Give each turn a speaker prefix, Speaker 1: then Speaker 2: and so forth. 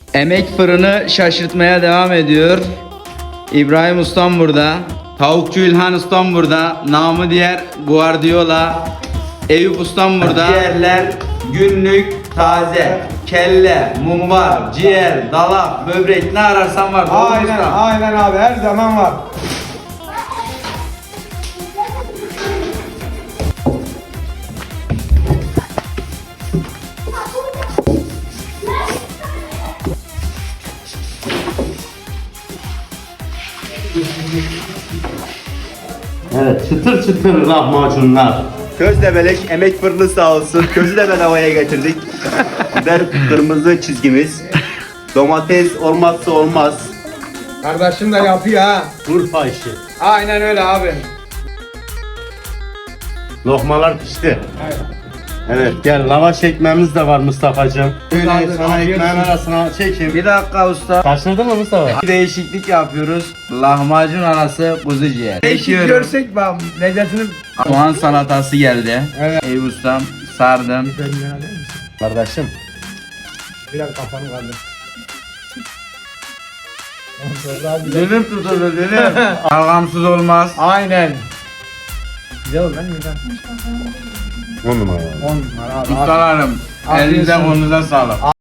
Speaker 1: Emek fırını şaşırtmaya devam ediyor. İbrahim Ustam burada. Tavukçu İlhan Ustam burada. Namı diğer Guardiola. Eyüp Ustam burada. Ciğerler günlük taze. Kelle, mumbar, ciğer, dalak, böbrek ne ararsan var.
Speaker 2: Aynen abi, her zaman var.
Speaker 3: Evet, çıtır çıtır lahmacunlar.
Speaker 4: Közdebelek emek fırını sağ olsun. Közü de bedavaya getirdik. Biber kırmızı çizgimiz. Domates olmazsa olmaz.
Speaker 2: Kardeşim de yapıyor ha.
Speaker 3: Urfa işi.
Speaker 2: Aynen öyle abi.
Speaker 3: Lokmalar pişti.
Speaker 2: Evet.
Speaker 3: Evet, gel lavaş ekmeğimiz de var Mustafa'cığım. Böyle
Speaker 2: Abi,
Speaker 3: sana
Speaker 2: afiyet
Speaker 3: ekmeğin
Speaker 2: olsun.
Speaker 3: arasına çekeyim.
Speaker 1: Bir dakika usta.
Speaker 3: Kaçırdın mı Mustafa?
Speaker 1: Bir değişiklik yapıyoruz. Lahmacun arası kuzu ciğer.
Speaker 2: Değişik
Speaker 1: Çekiyorum.
Speaker 2: görsek bak lezzetini...
Speaker 1: Soğan salatası geldi.
Speaker 2: Evet.
Speaker 1: Eyüp Ustam sardım.
Speaker 3: Kardeşim.
Speaker 2: Biraz kafanı kaldır.
Speaker 1: Dilim tutuldu dilim. Algamsız olmaz.
Speaker 2: Aynen. Güzel oldu lan güzel.
Speaker 3: 10 numara.
Speaker 2: 10 numara abi.
Speaker 1: Ustalarım
Speaker 2: Afiyet
Speaker 1: elinize
Speaker 2: olsun.
Speaker 1: kolunuza sağlık.